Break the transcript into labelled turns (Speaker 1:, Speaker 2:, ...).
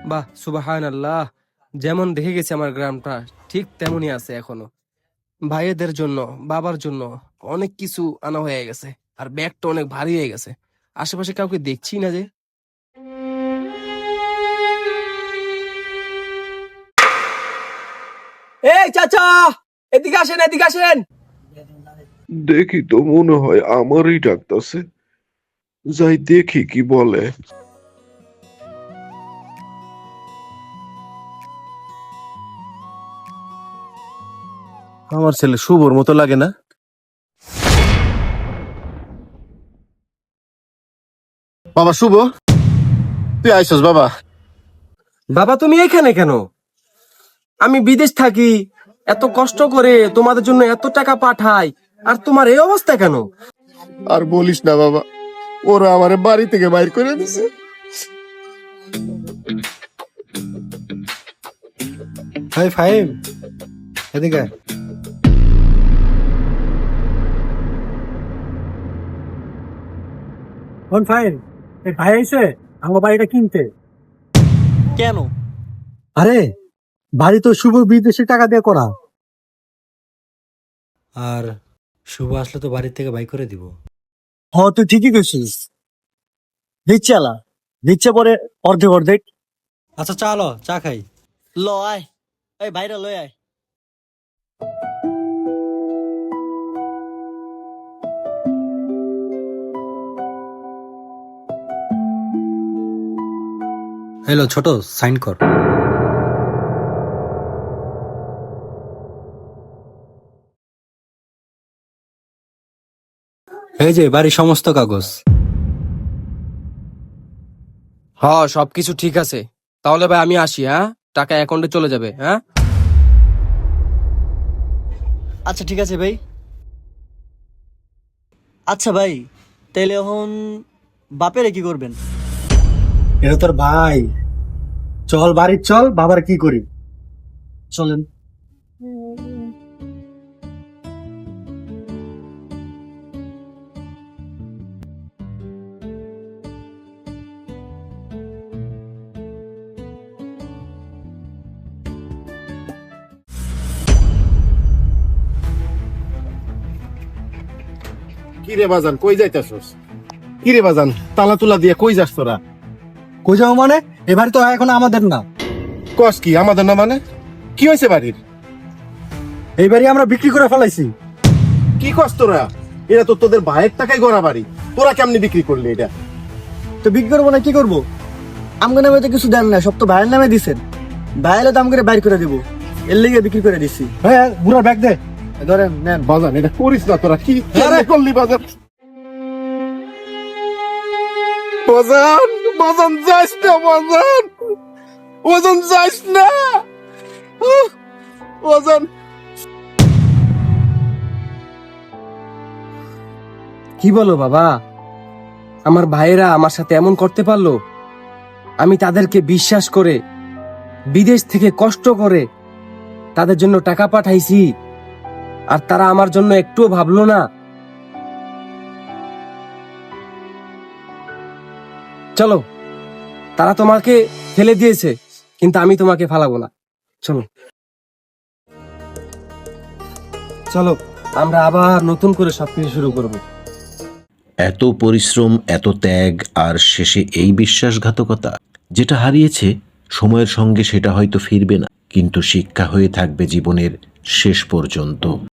Speaker 1: বাহ, সুবহানাল্লাহ। যেমন দেখে গেছে আমার গ্রামটা ঠিক তেমনই আছে এখনো। ভাইয়েদের জন্য, বাবার জন্য অনেক কিছু আনা হয়ে গেছে। আর ব্যাগটা অনেক ভারী হয়ে গেছে। আশেপাশে কাউকে দেখছি না যে। এই চাচা, এদিকে আসেন, এদিকে আসেন।
Speaker 2: দেখি তো মনে হয় আমারই ডাকতাছে। যাই দেখি কি বলে।
Speaker 3: আমার ছেলে শুভর মতো লাগে না? বাবা শুভ, তুই আইসস বাবা?
Speaker 1: বাবা, তুমি এখানে কেন? আমি বিদেশ থাকি, এত কষ্ট করে তোমাদের জন্য এত টাকা পাঠাই, আর তোমার এই অবস্থা কেন?
Speaker 3: আর বলিস না বাবা, ওরা আমার বাড়ি থেকে বাইর করে দিছে।
Speaker 4: হাই ফাহিম, এদিকে আয়। কোন ফাহিম? এই ভাই এসে আমার বাড়িটা কিনতে।
Speaker 5: কেন?
Speaker 4: আরে বাড়ি তো শুভ বিদেশে টাকা দিয়ে করা।
Speaker 6: আর শুভ আসলে তো বাড়ির থেকে বাই করে দিব।
Speaker 4: হ, তুই ঠিকই কইছিস। দিচ্ছে আলা, দিচ্ছে পরে অর্ধেক অর্ধেক।
Speaker 6: আচ্ছা চলো চা খাই।
Speaker 5: ল আয়, এই ভাইরা লই আয়।
Speaker 6: হ্যালো ছোট, সাইন কর। এই যে বাড়ির সমস্ত কাগজ।
Speaker 1: হ্যাঁ, সবকিছু ঠিক আছে। তাহলে ভাই আমি আসি, হ্যাঁ? টাকা অ্যাকাউন্টে চলে যাবে, হ্যাঁ?
Speaker 5: আচ্ছা ঠিক আছে ভাই। আচ্ছা ভাই, তাইলে এখন বাপেরে কি করবেন?
Speaker 4: এটা তোর ভাই। চল বাড়ির চল, বাবার কি করি চলেন।
Speaker 3: কিরে বাজান, কই যাইতাছস? কিরে বাজান, তালা তুলা দিয়ে কই যাস তোরা?
Speaker 4: কই যাবো মানে? এবার তো এখন আমাদের না।
Speaker 3: কস কি আমাদের না মানে? কি হয়েছে বাড়ির?
Speaker 4: এই বাড়ি আমরা বিক্রি করে ফেলাইছি।
Speaker 3: কি কস তোরা? এটা তো তোদের ভাইয়ের টাকায় গড়া বাড়ি, তোরা কেমনি বিক্রি করলি এটা?
Speaker 5: তো বিক্রি করবো না কি করবো? আমগো নামে তো কিছু দেন না, সব তো ভাইয়ের নামে দিছেন। ভাইয়ের দাম করে বাইর করে দিব, এর লিগে বিক্রি করে দিছি।
Speaker 4: হ্যাঁ, বুড়ার ব্যাগ দে।
Speaker 5: ধরেন নেন।
Speaker 3: বাজান এটা করিস না তোরা, কি কেমনে করলি বাজান? বাজান, বাজান যাস না বাজান, বাজান যাস না বাজান।
Speaker 1: কি বলো বাবা? আমার ভাইয়েরা আমার সাথে এমন করতে পারলো? আমি তাদেরকে বিশ্বাস করে, বিদেশ থেকে কষ্ট করে তাদের জন্য টাকা পাঠাইছি, আর তারা আমার জন্য একটুও ভাবলো না। চলো, তারা তোমাকে ফেলে দিয়েছে, কিন্তু আমি তোমাকে ফালাবো না। চলো চলো, আমরা আবার নতুন করে সবকিছু শুরু করবো।
Speaker 7: এত পরিশ্রম, এত ত্যাগ, আর শেষে এই বিশ্বাসঘাতকতা। যেটা হারিয়েছে সময়ের সঙ্গে সেটা হয়তো ফিরবে না, কিন্তু শিক্ষা হয়ে থাকবে জীবনের শেষ পর্যন্ত।